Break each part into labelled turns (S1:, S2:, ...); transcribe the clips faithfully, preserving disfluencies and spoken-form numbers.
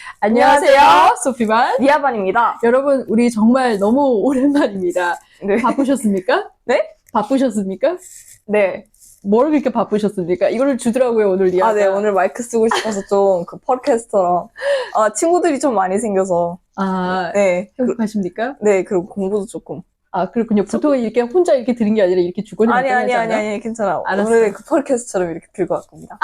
S1: 안녕하세요, 소피반.
S2: 리아반입니다.
S1: 여러분, 우리 정말 너무 오랜만입니다.
S2: 네.
S1: 바쁘셨습니까?
S2: 네?
S1: 바쁘셨습니까?
S2: 네.
S1: 뭘 그렇게 바쁘셨습니까? 이거를 주더라고요, 오늘 리아가.
S2: 아, 네. 오늘 마이크 쓰고 싶어서 좀 그 팟캐스터랑 아, 친구들이 좀 많이 생겨서.
S1: 아,
S2: 네.
S1: 행복하십니까?
S2: 네. 그리고 공부도 조금.
S1: 아, 그렇군요. 보통 이렇게 혼자 이렇게 들은 게 아니라 이렇게 주거니
S2: 아니, 아니,
S1: 만나지
S2: 아니,
S1: 않아요?
S2: 아니, 괜찮아.
S1: 알았어.
S2: 오늘은 그 팟캐스트처럼 이렇게 들고 왔습니다.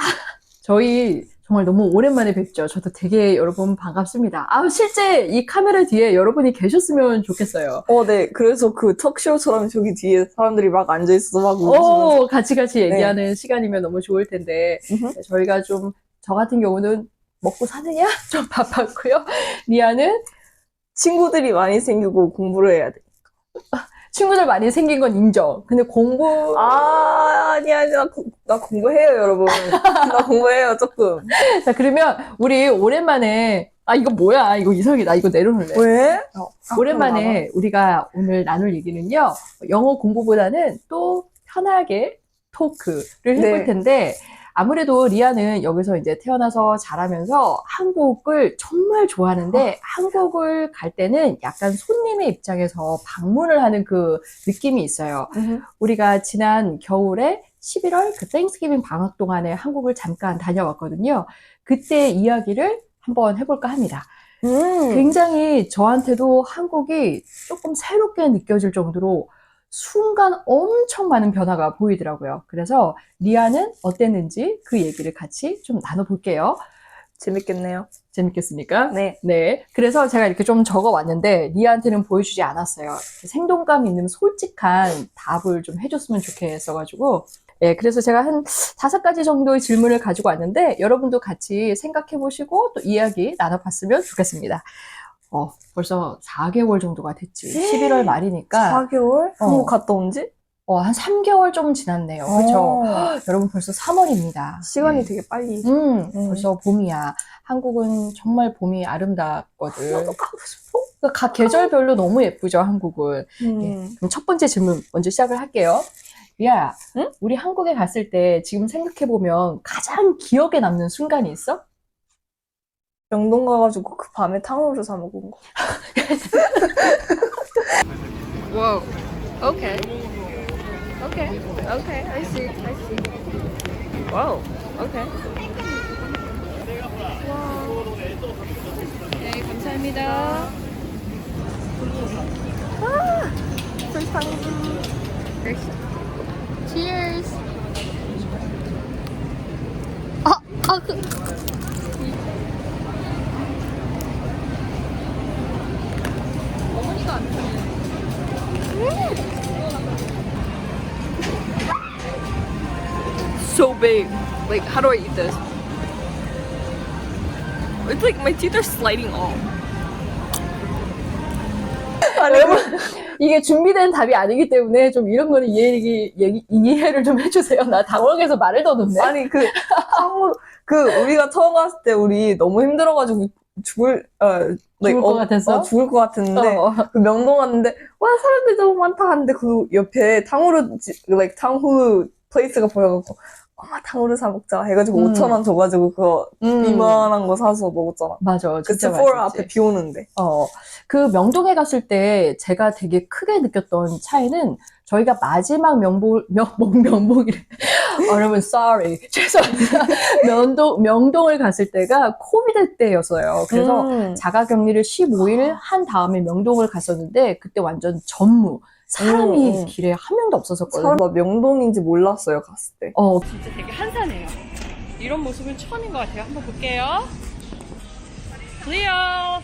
S1: 저희 정말 너무 오랜만에 뵙죠. 저도 되게 여러분 반갑습니다. 아, 실제 이 카메라 뒤에 여러분이 계셨으면 좋겠어요.
S2: 어, 네. 그래서 그 톡쇼처럼 저기 뒤에 사람들이 막 앉아있어서 막 웃으면서.
S1: 오, 같이 같이 얘기하는 네. 시간이면 너무 좋을 텐데,
S2: 음흠.
S1: 저희가 좀, 저 같은 경우는 먹고 사느냐? 좀 바빴고요. 리아는
S2: 친구들이 많이 생기고 공부를 해야 돼.
S1: 친구들 많이 생긴 건 인정. 근데 공부.
S2: 아, 아니, 아니, 나, 나 공부해요, 여러분. 나 공부해요, 조금.
S1: 자, 그러면 우리 오랜만에, 아, 이거 뭐야? 이거 이상하게, 나 이거 내려놓을래.
S2: 왜?
S1: 어, 오랜만에 우리가 오늘 나눌 얘기는요, 영어 공부보다는 또 편하게 토크를 해볼
S2: 네.
S1: 텐데, 아무래도 리아는 여기서 이제 태어나서 자라면서 한국을 정말 좋아하는데, 어. 한국을 갈 때는 약간 손님의 입장에서 방문을 하는 그 느낌이 있어요.
S2: 음흠.
S1: 우리가 지난 겨울에 십일월 그 땡스기빙 방학 동안에 한국을 잠깐 다녀왔거든요. 그때 이야기를 한번 해볼까 합니다.
S2: 음.
S1: 굉장히 저한테도 한국이 조금 새롭게 느껴질 정도로 순간 엄청 많은 변화가 보이더라고요. 그래서 리아는 어땠는지 그 얘기를 같이 좀 나눠볼게요.
S2: 재밌겠네요.
S1: 재밌겠습니까?
S2: 네.
S1: 네. 그래서 제가 이렇게 좀 적어왔는데 리아한테는 보여주지 않았어요. 생동감 있는 솔직한 답을 좀 해줬으면 좋겠어가지고 네, 그래서 제가 한 다섯 가지 정도의 질문을 가지고 왔는데 여러분도 같이 생각해보시고 또 이야기 나눠봤으면 좋겠습니다. 어, 벌써 사 개월 정도가 됐지. 십일월 말이니까.
S2: 사 개월?
S1: 어.
S2: 한국 갔다 온 지?
S1: 어, 한 삼 개월 좀 지났네요. 그쵸?
S2: 어.
S1: 여러분 벌써 삼월입니다.
S2: 시간이
S1: 네.
S2: 되게 빨리.
S1: 음,
S2: 음.
S1: 벌써 봄이야. 한국은 정말 봄이 아름답거든.
S2: 나도 가고 싶어.
S1: 그러니까 각 계절별로 너무 예쁘죠, 한국은.
S2: 음.
S1: 예. 그럼 첫 번째 질문 먼저 시작을 할게요. 리아야,
S2: 응?
S1: 우리 한국에 갔을 때 지금 생각해보면 가장 기억에 남는 순간이 있어?
S2: 명동 가가지고 그 밤에 탕후루 사 먹은 거.
S1: Wow. Okay. Okay. Okay. I see. I see. Wow. Okay. 와. 네, 감사합니다. 아, 불쌍해. Cheers. 아, 아, 그. 어머니가 안 돼. So big. Like, how do I eat this? It's like my teeth are sliding off.
S2: 아니,
S1: 여러분, 이게 준비된 답이 아니기 때문에 좀 이런 거는 이해, 얘기, 이해를 좀 해주세요. 나 당황해서 말을 더듬네.
S2: 아니, 그, 탕후루, 그, 우리가 처음 갔을 때 우리 너무 힘들어가지고 죽을, 어,
S1: 죽을 것
S2: 어,
S1: 같았어?
S2: 어, 죽을 것 같았는데,
S1: 어.
S2: 그 명동 갔는데, 와, 사람들 너무 많다 하는데, 그 옆에 탕후루, like, 탕후루 플레이스가 보여갖고, 엄마 탕후루 사 먹자 해가지고
S1: 음.
S2: 오천 원 줘가지고 그거
S1: 음.
S2: 이만한 거 사서 먹었잖아.
S1: 맞아,
S2: 그
S1: 진짜
S2: 세포라
S1: 맛있지.
S2: 앞에 비 오는데.
S1: 어, 그 명동에 갔을 때 제가 되게 크게 느꼈던 차이는 저희가 마지막 명복, 명복, 명복이래. 어, 여러분, sorry. 죄송합니다. 명동, 명동을 갔을 때가 코비드 때였어요. 그래서
S2: 음.
S1: 자가격리를 십오 일 한 다음에 명동을 갔었는데 그때 완전 전무. 사람이
S2: 음.
S1: 길에 한 명도 없었었거든요.
S2: 사람 나 명동인지 몰랐어요, 갔을 때.
S1: 어,
S3: 진짜 되게 한산해요. 이런 모습은 처음인 것 같아요. 한번 볼게요. 클리어.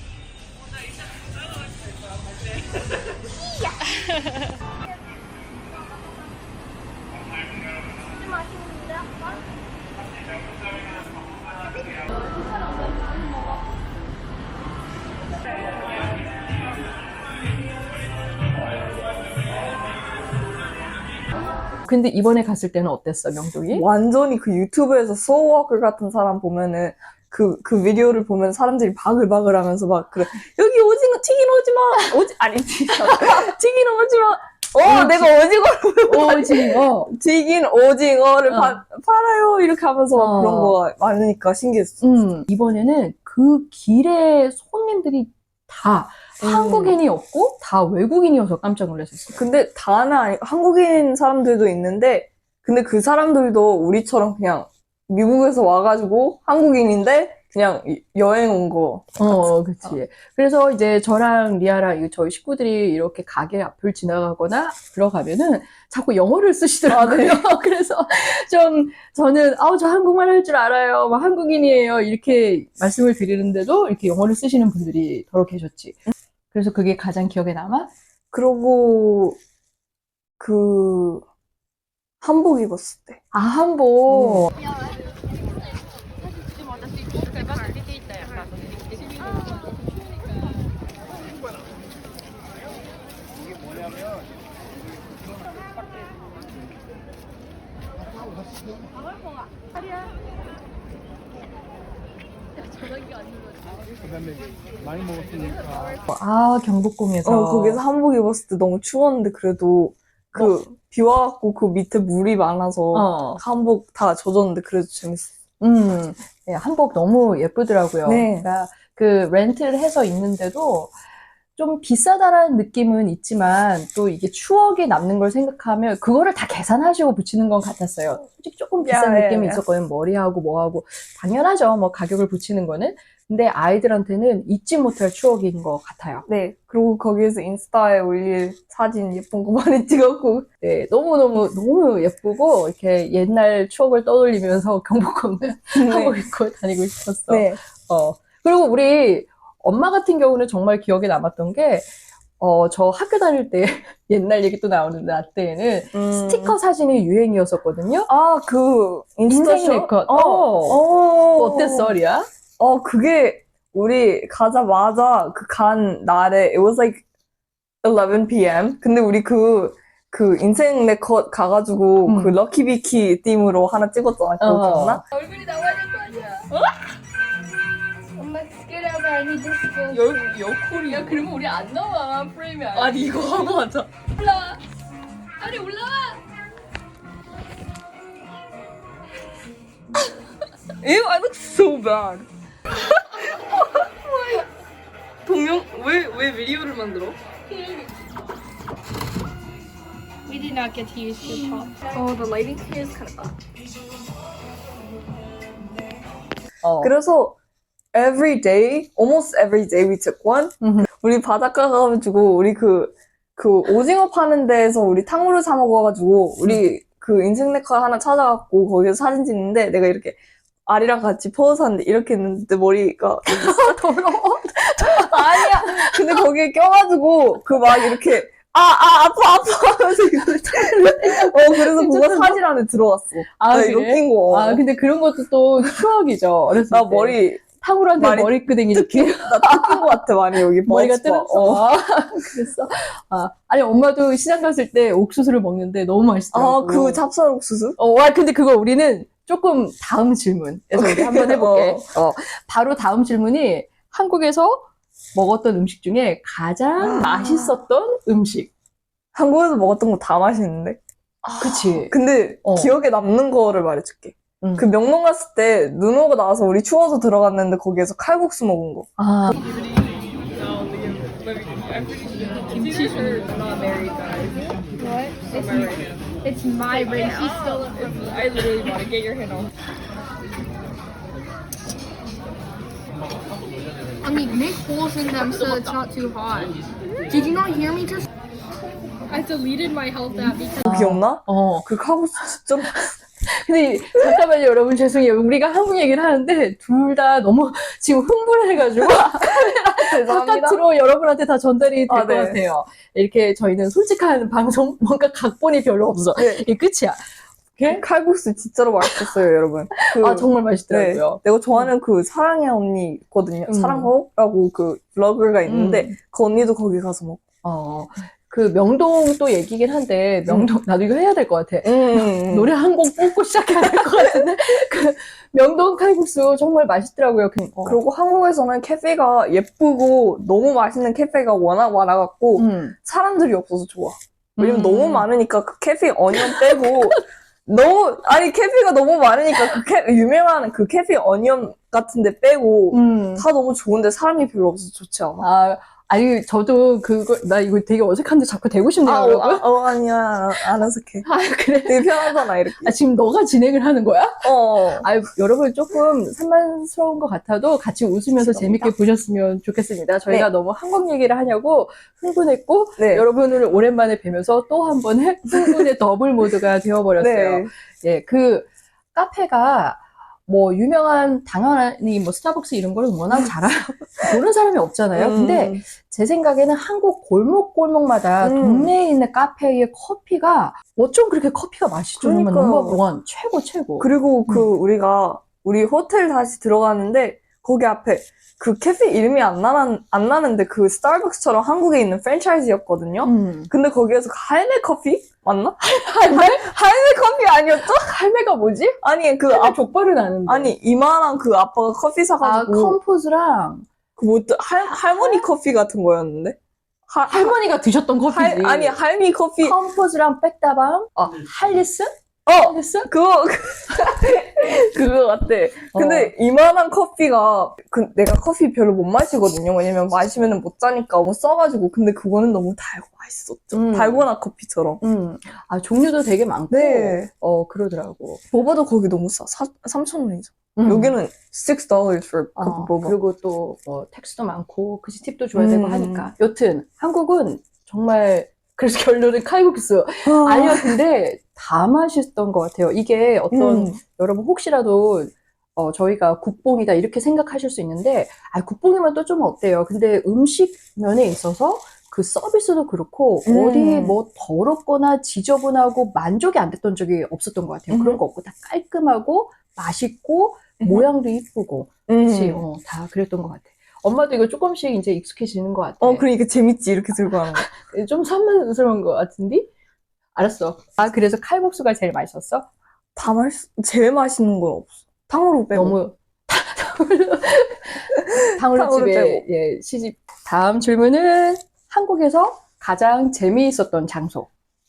S1: 근데 이번에 갔을 때는 어땠어, 명동이?
S2: 완전히 그 유튜브에서 소워크 같은 사람 보면은 그, 그 비디오를 보면 사람들이 바글바글 하면서 막 그래. 여기 오징어, 튀긴 오지마! 오지, 아니, 튀긴, 튀긴 오지마! 어, 내가 오징어를
S1: 오징어.
S2: 튀긴 오징어를
S1: 어.
S2: 파, 팔아요 이렇게 하면서 막
S1: 어.
S2: 그런 거가 많으니까 신기했어.
S1: 음, 이번에는 그 길에 손님들이 다
S2: 음.
S1: 한국인이었고 다 외국인이어서 깜짝 놀랐었어요.
S2: 근데 다는 아니, 한국인 사람들도 있는데, 근데 그 사람들도 우리처럼 그냥 미국에서 와가지고 한국인인데 그냥 이- 여행 온 거.
S1: 어, 그치. 그래서 이제 저랑 리아랑 이 저희 식구들이 이렇게 가게 앞을 지나가거나 들어가면은 자꾸 영어를 쓰시더라고요. 그래서 좀 저는 아우 저 한국말 할 줄 알아요. 막 한국인이에요. 이렇게 말씀을 드리는데도 이렇게 영어를 쓰시는 분들이 더러 계셨지. 그래서 그게 가장 기억에 남아?
S2: 그러고 그 한복 입었을 때.
S1: 아, 한복.
S4: 많이 먹었으니까.
S1: 아, 경복궁에서.
S2: 어, 거기서 한복 입었을 때 너무 추웠는데 그래도 그 비 와갖고 그 밑에 물이 많아서
S1: 어.
S2: 한복 다 젖었는데 그래도 재밌었어.
S1: 음, 네, 한복 너무 예쁘더라고요.
S2: 네.
S1: 그러니까 그 렌트를 해서 입는데도 좀 비싸다라는 느낌은 있지만 또 이게 추억이 남는 걸 생각하면 그거를 다 계산하시고 붙이는 건 같았어요. 솔직히 조금 비싼
S2: 야, 야,
S1: 느낌이
S2: 야.
S1: 있었거든요. 머리하고 뭐하고. 당연하죠. 뭐 가격을 붙이는 거는. 근데 아이들한테는 잊지 못할 추억인 것 같아요.
S2: 네. 그리고 거기에서 인스타에 올릴 사진 예쁜 거 많이 찍었고.
S1: 네, 너무너무, 너무 예쁘고, 이렇게 옛날 추억을 떠올리면서 경복궁을 하고 입고 다니고 싶었어.
S2: 네.
S1: 어. 그리고 우리 엄마 같은 경우는 정말 기억에 남았던 게, 어, 저 학교 다닐 때 옛날 얘기 또 나오는데, 나 때에는
S2: 음.
S1: 스티커 사진이 유행이었었거든요?
S2: 아, 그 인스타
S1: 인생 네컷.
S2: 어.
S1: 어.
S2: 어.
S1: 어땠어, 리아?
S2: 어, 그게 우리 가자마자 그 간 날에 it was like eleven p.m. 근데 우리 그, 그 인생 네컷 가가지고
S1: 음.
S2: 그 럭키비키 팀으로 하나 찍었잖아. 그거
S1: 어.
S2: 기억나?
S5: 얼굴이 나와야 될 거 아니야. 엄마 get over. I need this to go.
S3: 여, 여콜이.
S5: 야 그러면 우리 안 나와 프레임이 안
S3: 아니, 이거 하고 하자.
S5: 올라와. 아니 올라와.
S3: Ew, I look so bad. 동영, 왜, 왜 비디오를 만들어?
S5: We did not get to use the top. Oh, the lighting here is kind of bad.
S1: 어.
S2: 그래서 every day, almost every day we took one.
S1: 음흠.
S2: 우리 바닷가 가가지고 우리 그, 그 오징어 파는 데에서 우리 탕후루 사 먹어가지고 우리 그 인생 네컷 하나 찾아갖고 거기서 사진 찍는데 내가 이렇게 아리랑 같이 포즈 하는데 이렇게 했는데 머리가
S1: 더러워.
S2: 아니야. 근데 거기에 껴가지고 그 막 이렇게 아, 아, 아파, 아파 하면서 이걸 어, 그래서 그거 사진 안에 들어왔어.
S1: 아,
S2: 나 이거
S1: 그래?
S2: 낀 거.
S1: 아, 근데 그런 것도 또 추억이죠. 어렸을
S2: 나
S1: 때.
S2: 머리,
S1: 탕후루한테
S2: 많이
S1: 머리끄댕이 이렇게.
S2: 나 뜯긴 거 같아, 많이 여기.
S1: 머리가
S2: 버스 봐.
S1: 뜨렸어.
S2: 어.
S1: 아, 그랬어. 아, 아니, 엄마도 시장 갔을 때 옥수수를 먹는데 너무 맛있더라고.
S2: 아, 그 찹쌀 옥수수?
S1: 어, 와, 근데 그거 우리는 조금 다음 질문에서 우리 한번 해볼게. 어, 바로 다음 질문이 한국에서 먹었던 음식 중에 가장 맛있었던 음식.
S2: 한국에서 먹었던 거 다 맛있는데?
S1: 그치.
S2: 근데
S1: 어.
S2: 기억에 남는 거를 말해줄게.
S1: 응.
S2: 그 명동 갔을 때 눈 오고 나서 우리 추워서 들어갔는데 거기에서 칼국수 먹은 거.
S1: 아,
S5: What? It's, it's my ring. She stole it from me.
S3: I literally want to get your hand off.
S5: I mean, make holes in them so it's not too hot. Did you not hear me just? I deleted my health app because.
S2: 그거 기억나?
S1: 어.
S2: 그 칼국수 진짜
S1: 근데 잠깐만요, 여러분 죄송해요. 우리가 한국 얘기를 하는데 둘 다 너무 지금 흥분해가지고
S2: 죄송합니다.
S1: 바깥으로 여러분한테 다 전달이 될 것
S2: 아, 네.
S1: 같아요. 이렇게 저희는 솔직한 방송, 뭔가 각본이 별로 없어.
S2: 네.
S1: 이게 끝이야. 오케이?
S2: 칼국수 진짜로 맛있었어요, 여러분. 그,
S1: 아, 정말
S2: 네.
S1: 맛있더라고요.
S2: 내가 좋아하는 그 사랑의 언니 있거든요.
S1: 음.
S2: 사랑호라고 그 블로거가 있는데
S1: 음.
S2: 그 언니도 거기 가서 먹고.
S1: 어, 그 명동 또 얘기긴 한데, 명동, 나도 이거 해야 될 것 같아.
S2: 음.
S1: 노래 한 곡 뽑고 시작해야 될 것 같은데, 그 명동 칼국수 정말 맛있더라고요. 그, 어.
S2: 그리고 한국에서는 카페가 예쁘고 너무 맛있는 카페가 워낙 많아갖고
S1: 음.
S2: 사람들이 없어서 좋아. 왜냐면
S1: 음.
S2: 너무 많으니까 그 카페 어니언 빼고 너무 아니 카페가 너무 많으니까 그 캐, 유명한 그 카페 어니언 같은데 빼고
S1: 음.
S2: 다 너무 좋은데 사람이 별로 없어서 좋지 않아?
S1: 아, 아니, 저도 그거, 나 이거 되게 어색한데 자꾸 되고 싶네요,
S2: 아, 어,
S1: 여러분.
S2: 아, 어, 아니야. 안 어색해.
S1: 아, 그래?
S2: 되게 편하잖아, 이렇게.
S1: 아, 지금 너가 진행을 하는 거야?
S2: 어.
S1: 아, 여러분 조금 산만스러운 것 같아도 같이 웃으면서
S2: 죄송합니다.
S1: 재밌게 보셨으면 좋겠습니다. 저희가
S2: 네.
S1: 너무 한국 얘기를 하냐고 흥분했고,
S2: 네.
S1: 여러분을 오랜만에 뵈면서 또 한 번의 흥분의 더블 모드가 되어버렸어요.
S2: 네.
S1: 예, 그 카페가 뭐 유명한 당연히 뭐 스타벅스 이런 거를 워낙 잘 모르는 사람이 없잖아요.
S2: 음.
S1: 근데 제 생각에는 한국 골목골목마다
S2: 음.
S1: 동네에 있는 카페의 커피가 어쩜 그렇게 커피가 맛있죠? 정말
S2: 그러니까요.
S1: 넘버 원 최고 최고.
S2: 그리고 그
S1: 음.
S2: 우리가 우리 호텔 다시 들어가는데 거기 앞에 그 캐페 이름이 안 나는 안 나는데 그 스타벅스처럼 한국에 있는 프랜차이즈였거든요.
S1: 음.
S2: 근데 거기에서 할매 커피 맞나?
S1: 할매?
S2: 할매 커피 아니었죠?
S1: 할매가 뭐지?
S2: 아니 그
S1: 할매
S2: 앞,
S1: 족발은 아는데.
S2: 아니 이만한 그 아빠가 커피
S1: 아
S2: 사가지고
S1: 컴포즈랑
S2: 그뭐할 할머니 커피 같은 거였는데 하,
S1: 할머니가 드셨던 커피지.
S2: 할 아니 할미 커피
S1: 컴포즈랑 백다방, 어 할리스?
S2: 어
S1: 할리스?
S2: 그거 그거 같대. 근데 이만한 커피가 그 내가 커피 별로 못 마시거든요. 왜냐면 마시면은 못 자니까 너무 써가지고. 근데 그거는 너무 달고 맛있었죠.
S1: 음.
S2: 달고나 커피처럼.
S1: 음, 아 종류도 되게 많고,
S2: 네.
S1: 어 그러더라고.
S2: 보바도 거기 너무 싸. 삼천 원이죠.
S1: 음.
S2: 여기는 six dollars for
S1: 어,
S2: cup of boba.
S1: 그리고 또 뭐 텍스도 많고 그치 팁도 줘야 되고
S2: 음.
S1: 하니까. 여튼 한국은 정말 그래서 결론은 칼국수
S2: 아.
S1: 아니요, 근데 다 맛있던 것 같아요. 이게 어떤
S2: 음.
S1: 여러분 혹시라도 어, 저희가 국뽕이다 이렇게 생각하실 수 있는데, 아 국뽕이면 또 좀 어때요? 근데 음식 면에 있어서 그 서비스도 그렇고
S2: 음.
S1: 어디 뭐 더럽거나 지저분하고 만족이 안 됐던 적이 없었던 것 같아요.
S2: 음.
S1: 그런 거 없고 다 깔끔하고 맛있고
S2: 음.
S1: 모양도 이쁘고
S2: 음.
S1: 그치, 어, 다 그랬던 것 같아. 엄마도 이거 조금씩 이제 익숙해지는 것 같아.
S2: 어, 그러니까 재밌지, 이렇게 들고 하는 거.
S1: 좀 산만스러운 것 같은데? 알았어. 아, 그래서 칼국수가 제일 맛있었어?
S2: 다 맛있, 제일 맛있는 건 없어. 탕후루 빼고.
S1: 너무 탕후루
S2: 탕후루
S1: 집에
S2: 빼고.
S1: 예, 시집. 다음 질문은 한국에서 가장 재미있었던 장소.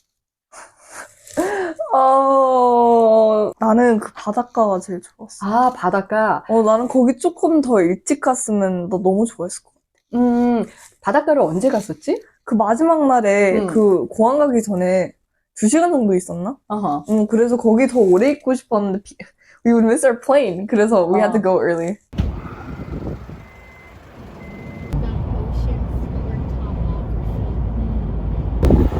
S2: 어, 나는 그 바닷가가 제일 좋았어.
S1: 아, 바닷가.
S2: 어, 나는 거기 조금 더 일찍 갔으면 나 너무 좋아했을 것 같아.
S1: 음, 바닷가를 언제 갔었지?
S2: 그 마지막 날에
S1: 음.
S2: 그 공항 가기 전에 두 시간 정도 있었나?
S1: 어허.
S2: 응, 그래서 거기 더 오래 있고 싶었는데 비- we would miss our plane. 그래서 we had to
S1: 어.
S2: go early.
S5: The ocean floor topography.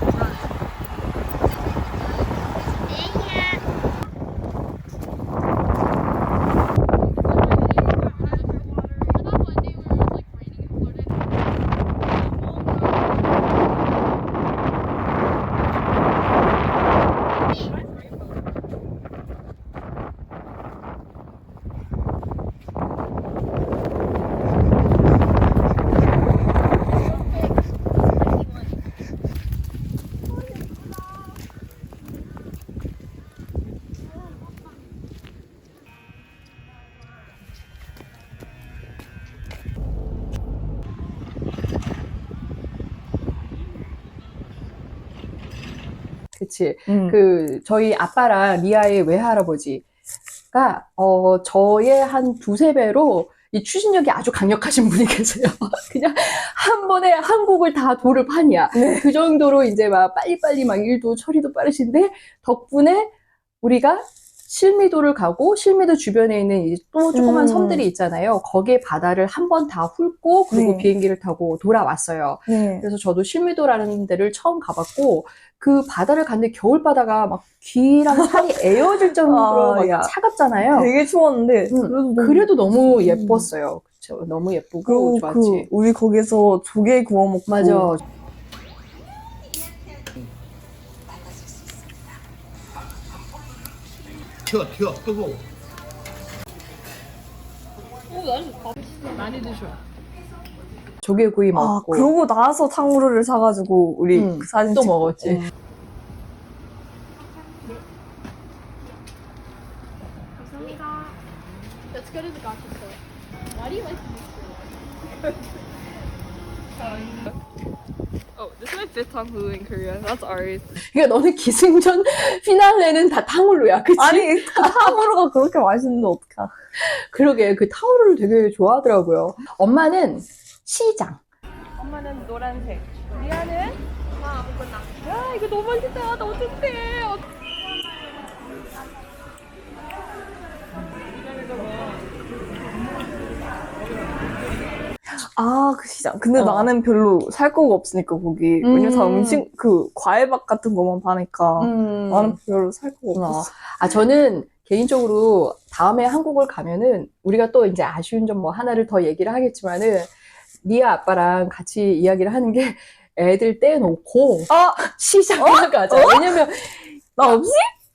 S1: 그치.
S2: 응.
S1: 그, 저희 아빠랑 리아의 외할아버지가, 어, 저의 한 두세 배로 이 추진력이 아주 강력하신 분이 계세요. 그냥 한 번에 한국을 다 도를 판이야.
S2: 네.
S1: 그 정도로 이제 막 빨리빨리 막 일도 처리도 빠르신데, 덕분에 우리가 실미도를 가고, 실미도 주변에 있는 이제 또 조그만
S2: 음.
S1: 섬들이 있잖아요. 거기에 바다를 한 번 다 훑고, 그리고
S2: 네.
S1: 비행기를 타고 돌아왔어요.
S2: 네.
S1: 그래서 저도 실미도라는 데를 처음 가봤고, 그 바다를 갔는데 겨울바다가 막 귀랑 살이 에어질 정도로
S2: 아,
S1: 막
S2: 야.
S1: 차갑잖아요.
S2: 되게 추웠는데
S1: 응.
S2: 그래도 너무
S1: 그래도 너무
S2: 음.
S1: 예뻤어요. 그쵸? 너무 예쁘고
S2: 그리고
S1: 좋았지.
S2: 그 우리 거기서 조개 구워 먹고
S1: 맞아.
S4: 튀어 튀어 뜨거워.
S3: 많이 드셔.
S1: 조개구이
S2: 아,
S1: 먹고
S2: 그러고 나서 탕후루를 사가지고 우리
S1: 응,
S2: 그 사진
S1: 또
S2: 찍고.
S1: 먹었지.
S2: 응.
S5: 감사합니다. Let's go to the gotcha store. Why do you like this?
S3: 어, Oh, this is my fifth time Hulu in Korea. That's ours.
S1: 그러니까 너는 기승전 피날레는 다 탕후루야, 그치?
S2: 아니, 그 탕후루가 그렇게 맛있는데 어떡하.
S1: 그러게, 그 탕후루를 되게 좋아하더라고요. 엄마는 시장.
S3: 엄마는 노란색. 리아는? 엄마 아무거나. 야, 이거 너무 맛있다. 나 어떡해. 어-
S2: 아, 그 시장. 근데
S1: 어.
S2: 나는 별로 살 거가 없으니까, 거기.
S1: 음.
S2: 왜냐면 다 음식, 그, 과일밥 같은 것만 파니까.
S1: 음.
S2: 나는 별로 살 거가
S1: 어.
S2: 없었어.
S1: 아, 저는 개인적으로 다음에 한국을 가면은 우리가 또 이제 아쉬운 점 뭐 하나를 더 얘기를 하겠지만은 리아 아빠랑 같이 이야기를 하는 게 애들 떼놓고
S2: 아!
S1: 시장에 가자. 왜냐면
S2: 나 없지?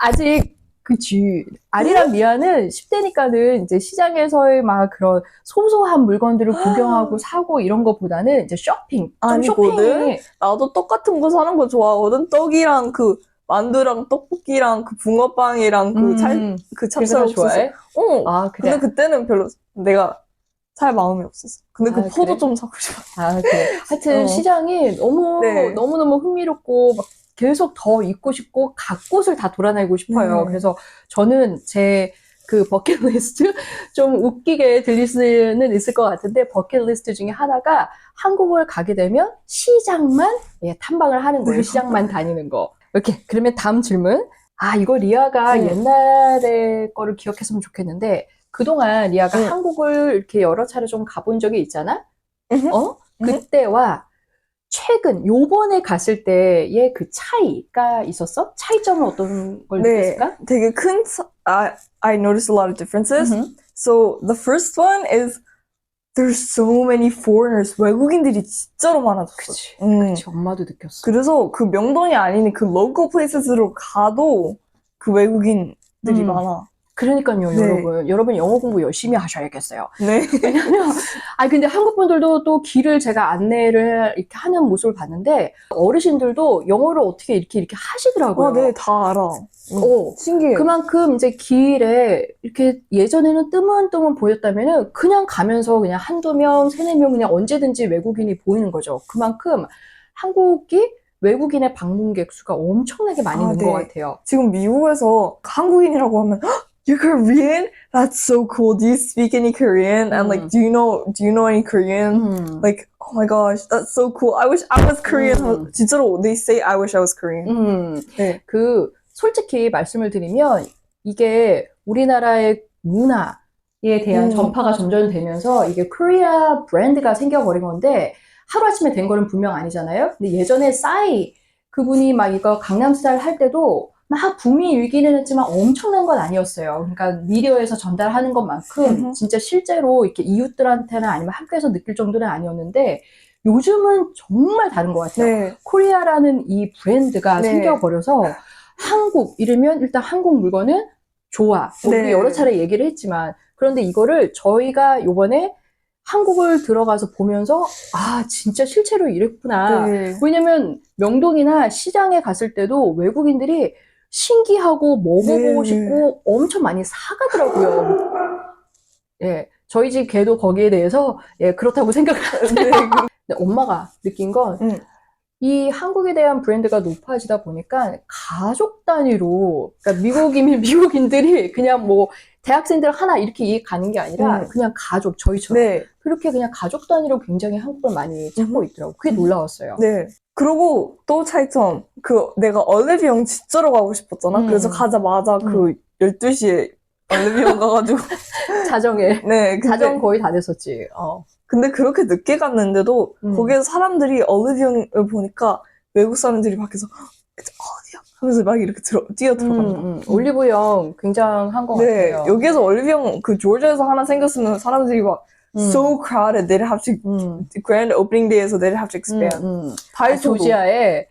S1: 아직 그치. 아리랑 리아는 십 대니까는 이제 시장에서의 막 그런 소소한 물건들을 구경하고 사고 이런 것보다는 이제 쇼핑. 좀
S2: 아니거든?
S1: 쇼핑에
S2: 나도 떡 같은 거 사는 거 좋아하거든? 떡이랑 그, 만두랑 떡볶이랑 그 붕어빵이랑 그 찰,
S1: 음,
S2: 그
S1: 그래서
S2: 찹쌀 옥수수.
S1: 좋아해?
S2: 어.
S1: 아, 그래.
S2: 근데 그때는 별로 내가 살 마음이 없었어. 근데 그
S1: 아,
S2: 포도
S1: 그래?
S2: 좀 사고 싶어.
S1: 아, 그래. 하여튼
S2: 어.
S1: 시장이 너무,
S2: 네.
S1: 너무너무 흥미롭고, 막 계속 더 있고 싶고, 각 곳을 다 돌아다니고 싶어요.
S2: 네.
S1: 그래서 저는 제 그 버킷리스트, 좀 웃기게 들릴 수는 있을 것 같은데, 버킷리스트 중에 하나가 한국을 가게 되면 시장만 예, 탐방을 하는 거예요.
S2: 네.
S1: 시장만 다니는 거. 이렇게. 그러면 다음 질문. 아, 이거 리아가
S2: 응.
S1: 옛날의 거를 기억했으면 좋겠는데, 그동안 리아가
S2: 응.
S1: 한국을 이렇게 여러 차례 좀 가본 적이 있잖아?
S2: 응.
S1: 어?
S2: 응.
S1: 그때와 최근, 요번에 갔을 때의 그 차이가 있었어? 차이점은 어떤 걸
S2: 네.
S1: 느꼈을까?
S2: 되게 큰, 차- I, I noticed a lot of differences.
S1: 음흠.
S2: So the first one is there's so many foreigners. 외국인들이 진짜로 많아졌어.
S1: 그치.
S2: 음.
S1: 그치, 엄마도 느꼈어.
S2: 그래서 그 명동이 아닌 그 local places로 가도 그 외국인들이
S1: 음.
S2: 많아.
S1: 그러니까요,
S2: 네.
S1: 여러분. 여러분 영어 공부 열심히 하셔야겠어요.
S2: 네.
S1: 왜냐면, 아 근데 한국 분들도 또 길을 제가 안내를 이렇게 하는 모습을 봤는데, 어르신들도 영어를 어떻게 이렇게 이렇게 하시더라고요.
S2: 아, 네, 다 알아.
S1: 어.
S2: 신기해.
S1: 그만큼 이제 길에 이렇게 예전에는 뜨문뜨문 보였다면은 그냥 가면서 그냥 한두 명, 세네 명 그냥 언제든지 외국인이 보이는 거죠. 그만큼 한국이 외국인의 방문객 수가 엄청나게 많이
S2: 아,
S1: 는
S2: 네.
S1: 것 같아요.
S2: 지금 미국에서 한국인이라고 하면 "헉, You're Korean? That's so cool. Do you speak any Korean? And like,
S1: 음.
S2: do you know do you know any Korean?
S1: 음.
S2: Like, oh my gosh, that's so cool. I wish I was Korean.
S1: 음.
S2: 진짜로 they say I wish I was Korean.
S1: 음.
S2: 네.
S1: 그 솔직히 말씀을 드리면 이게 우리나라의 문화에 대한
S2: 음.
S1: 전파가 점점 되면서 이게 코리아 브랜드가 생겨버린 건데 하루아침에 된 거는 분명 아니잖아요. 근데 예전에 싸이 그분이 막 이거 강남스타일 할 때도 막 붐이 일기는 했지만 엄청난 건 아니었어요. 그러니까 미디어에서 전달하는 것만큼
S2: 음흠.
S1: 진짜 실제로 이렇게 이웃들한테나 아니면 학교에서 느낄 정도는 아니었는데 요즘은 정말 다른 것 같아요.
S2: 네.
S1: 코리아라는 이 브랜드가
S2: 네.
S1: 생겨버려서 한국 이러면 일단 한국 물건은 좋아. 뭐
S2: 네.
S1: 우리 여러 차례 얘기를 했지만 그런데 이거를 저희가 요번에 한국을 들어가서 보면서 아 진짜 실제로 이랬구나.
S2: 네.
S1: 왜냐면 명동이나 시장에 갔을 때도 외국인들이 신기하고 먹어보고
S2: 네.
S1: 싶고 엄청 많이 사가더라고요. 예, 저희 집 개도 거기에 대해서 예 그렇다고 생각하는데
S2: 네.
S1: 근데 엄마가 느낀 건
S2: 음.
S1: 이 한국에 대한 브랜드가 높아지다 보니까 가족 단위로, 그러니까 미국이면 미국인들이 그냥 뭐 대학생들 하나 이렇게 이해 가는 게 아니라
S2: 음.
S1: 그냥 가족, 저희처럼.
S2: 네.
S1: 그렇게 그냥 가족 단위로 굉장히 한국을 많이 찾고 있더라고요. 그게 놀라웠어요.
S2: 네. 그리고 또 차이점, 그, 내가 얼레비영 진짜로 가고 싶었잖아?
S1: 음.
S2: 그래서 가자마자 그 열두 시에 얼레비영 가가지고.
S1: 자정에.
S2: 네. 근데,
S1: 자정 거의 다 됐었지. 어.
S2: 근데 그렇게 늦게 갔는데도
S1: 음.
S2: 거기에서 사람들이 얼레비영을 보니까 외국 사람들이 밖에서 어디야? 하면서 막 이렇게 들어, 뛰어 들어가는 거.
S1: 음, 음. 올리브영 굉장한 것
S2: 네.
S1: 같아요.
S2: 여기에서 얼레비영 그 조지아에서 하나 생겼으면 사람들이 막
S1: 음.
S2: so crowded. They'd have to,
S1: 음.
S2: grand opening day에서 they'd have to expand.
S1: 음, 음. 아,
S2: 다이소도.
S1: 조지아에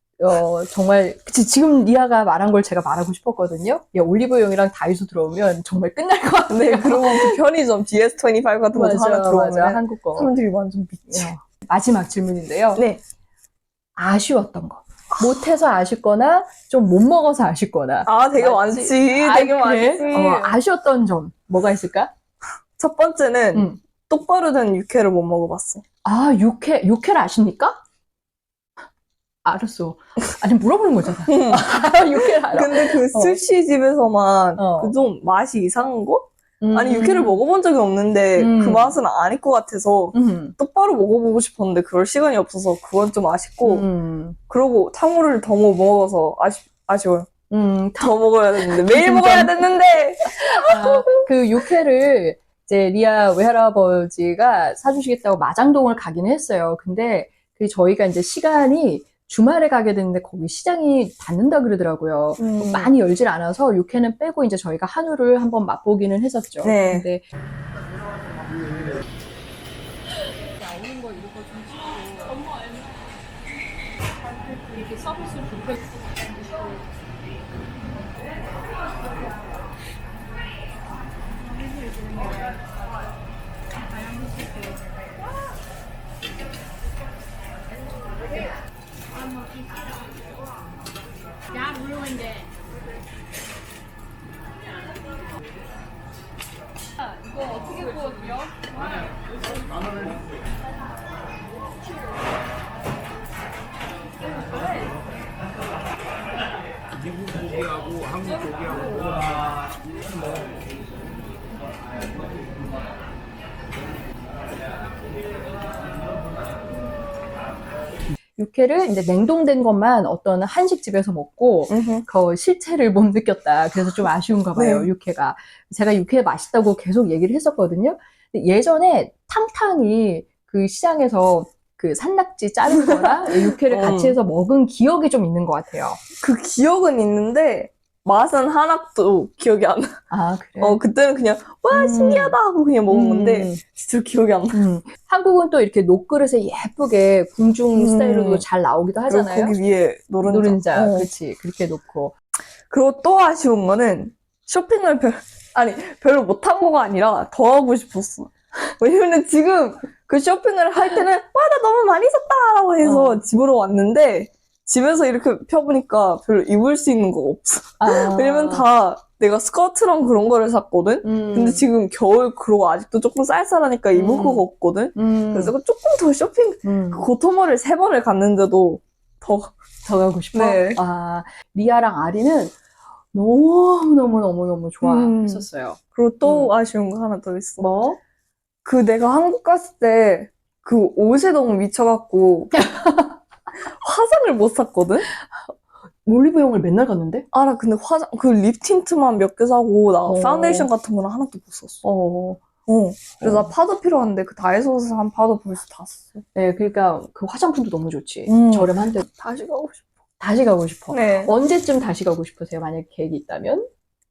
S1: 어 정말 그치, 지금 리아가 말한 걸 제가 말하고 싶었거든요. 야, 올리브영이랑 다이소 들어오면 정말 끝날 것 같아요.
S2: 네, 그리고 그 편의점 디에스 이십오 같은 것도
S1: 맞아,
S2: 하나 들어오면
S1: 맞아, 한국 거.
S2: 사람들이 완전 미치.
S1: 어, 마지막 질문인데요.
S2: 네.
S1: 아쉬웠던 거. 못해서 아쉽거나 좀 못 먹어서 아쉽거나.
S2: 아, 되게
S1: 맞지?
S2: 많지.
S1: 아,
S2: 되게
S1: 그래?
S2: 많지.
S1: 어, 아쉬웠던 점 뭐가 있을까?
S2: 첫 번째는
S1: 음.
S2: 똑바로 된 육회를 못 먹어봤어.
S1: 아, 육회, 육회를 아십니까? 알았어. 아니, 물어보는 거잖아. 육회를 알아.
S2: 근데 그
S1: 어.
S2: 스시 집에서만
S1: 어.
S2: 그 좀 맛이 이상한 거?
S1: 음.
S2: 아니 육회를 먹어본 적이 없는데
S1: 음.
S2: 그 맛은 아닐 것 같아서
S1: 음.
S2: 똑바로 먹어보고 싶었는데 그럴 시간이 없어서 그건 좀 아쉽고
S1: 음.
S2: 그러고 탕후루를 더 못 먹어서 아쉽, 아쉬워요.
S1: 음.
S2: 더 먹어야 됐는데 매일
S1: 진짜.
S2: 먹어야 됐는데
S1: 아, 그 육회를 이제 리아 외할아버지가 사주시겠다고 마장동을 가기는 했어요. 근데 그 저희가 이제 시간이 주말에 가게 됐는데 거기 시장이 닫는다 그러더라고요.
S2: 음.
S1: 많이 열질 않아서 육회는 빼고 이제 저희가 한우를 한번 맛보기는 했었죠.
S2: 네.
S1: 근데
S5: Dad ruined it.
S3: 이거 어떻게 구워드려?
S4: 미국 고기하고 한국 고기하고
S1: 육회를 이제 냉동된 것만 어떤 한식집에서 먹고
S2: 음흠.
S1: 그 실체를 못 느꼈다. 그래서 좀 아쉬운가 봐요,
S2: 네.
S1: 육회가. 제가 육회 맛있다고 계속 얘기를 했었거든요. 근데 예전에 탕탕이 그 시장에서 그 산낙지 자른 거랑 육회를
S2: 음.
S1: 같이 해서 먹은 기억이 좀 있는 것 같아요.
S2: 그 기억은 있는데 맛은 하나도 기억이 안 나.
S1: 아, 그래?
S2: 어 그때는 그냥 와
S1: 음.
S2: 신기하다 하고 그냥 먹은 건데
S1: 음.
S2: 진짜 기억이 안 나.
S1: 음. 한국은 또 이렇게 녹그릇에 예쁘게 궁중
S2: 음.
S1: 스타일로도 잘 나오기도
S2: 그리고
S1: 하잖아요.
S2: 거기 위에 노른자.
S1: 노른자,
S2: 어.
S1: 그렇지. 그렇게 놓고.
S2: 그리고 또 아쉬운 거는 쇼핑을 별, 아니, 별로 못한 거가 아니라 더 하고 싶었어. 왜냐면 지금 그 쇼핑을 할 때는, 와, 나 너무 많이 샀다! 라고 해서
S1: 어.
S2: 집으로 왔는데, 집에서 이렇게 펴보니까 별로 입을 수 있는 거 없어.
S1: 아.
S2: 왜냐면 다 내가 스커트랑 그런 거를 샀거든?
S1: 음.
S2: 근데 지금 겨울, 그러고 아직도 조금 쌀쌀하니까 입을
S1: 음.
S2: 거가 없거든?
S1: 음.
S2: 그래서 조금 더 쇼핑,
S1: 음.
S2: 그 고토모를 세 번을 갔는데도 더,
S1: 더 가고 싶어?
S2: 네.
S1: 아, 리아랑 아리는 너무너무너무너무 좋아했었어요.
S2: 그리고 또
S1: 음.
S2: 아쉬운 거 하나 더 있어.
S1: 뭐?
S2: 그 내가 한국 갔을 때 그 옷에 너무 미쳐갖고 화장을 못 샀거든?
S1: 올리브영을 맨날 갔는데?
S2: 알아. 근데 화장 그 립 틴트만 몇 개 사고 나
S1: 어.
S2: 파운데이션 같은 거는 하나도 못 샀어.
S1: 어.
S2: 어. 그래서
S1: 어.
S2: 나 파도 필요한데 그 다이소에서 산 파도 벌써 다 썼어.
S1: 네, 그러니까 그 화장품도 너무 좋지.
S2: 음.
S1: 저렴한데
S2: 다시 가고 싶어.
S1: 다시 가고 싶어.
S2: 네.
S1: 언제쯤 다시 가고 싶으세요? 만약 계획이 있다면?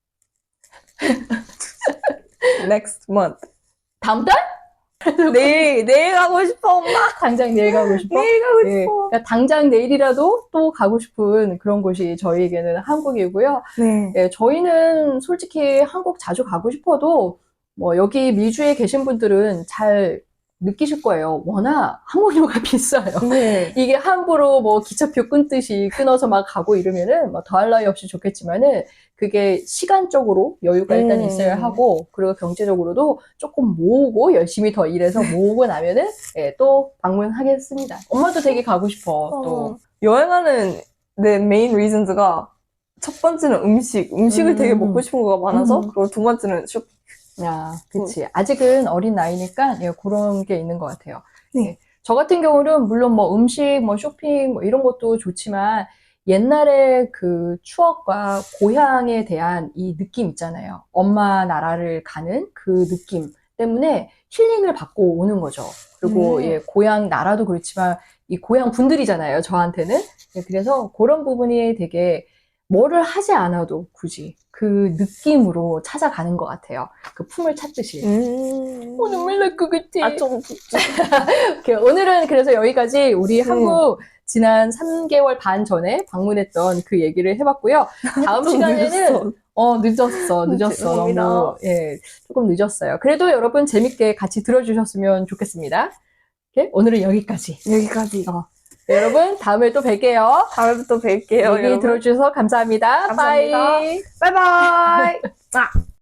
S2: Next month.
S1: 다음 달?
S2: 내일 내일 가고 싶어 엄마.
S1: 당장 내일 가고 싶어?
S2: 내일 가고
S1: 네,
S2: 싶어.
S1: 그러니까 당장 내일이라도 또 가고 싶은 그런 곳이 저희에게는 한국이고요.
S2: 네.
S1: 네, 저희는 솔직히 한국 자주 가고 싶어도 뭐 여기 미주에 계신 분들은 잘 느끼실 거예요. 워낙 항공료가 비싸요.
S2: 네.
S1: 이게 함부로 뭐 기차표 끊듯이 끊어서 막 가고 이러면은 뭐 더할 나위 없이 좋겠지만은 그게 시간적으로 여유가 일단
S2: 음.
S1: 있어야 하고 그리고 경제적으로도 조금 모으고 열심히 더 일해서 모으고 나면은 예, 또 방문하겠습니다. 엄마도 되게 가고 싶어. 또.
S2: 어. 여행하는 내 메인 리즌즈가 첫 번째는 음식, 음식을
S1: 음.
S2: 되게 먹고 싶은 거가 많아서
S1: 음.
S2: 그리고 두 번째는 쇼핑.
S1: 야, 그치. 아직은 어린 나이니까 예, 그런 게 있는 것 같아요.
S2: 네.
S1: 예. 저 같은 경우는 물론 뭐 음식, 뭐 쇼핑 뭐 이런 것도 좋지만 옛날의 그 추억과 고향에 대한 이 느낌 있잖아요. 엄마 나라를 가는 그 느낌 때문에 힐링을 받고 오는 거죠. 그리고
S2: 음.
S1: 예, 고향 나라도 그렇지만 이 고향 분들이잖아요. 저한테는. 예, 그래서 그런 부분이 되게 뭐를 하지 않아도 굳이 그 느낌으로 찾아가는 것 같아요. 그 품을 찾듯이.
S2: 음.
S1: 어, 눈물 날 것 같아.
S2: 아, 좀.
S1: 오케이, 오늘은 그래서 여기까지 우리
S2: 음.
S1: 한국 지난 삼 개월 반 전에 방문했던 그 얘기를 해봤고요. 다음
S2: 좀
S1: 시간에는
S2: 늦었어.
S1: 어 늦었어 늦었어
S2: 죄송합니다.
S1: 너무 예 조금 늦었어요. 그래도 여러분 재밌게 같이 들어주셨으면 좋겠습니다. 오케이? 오늘은 여기까지.
S2: 여기까지.
S1: 어, 네, 여러분 다음에 또 뵐게요.
S2: 다음에 또 뵐게요,
S1: 얘기
S2: 여러분.
S1: 들어주셔서 감사합니다.
S2: 감사합니다.
S1: 빠이.
S2: 바이바이.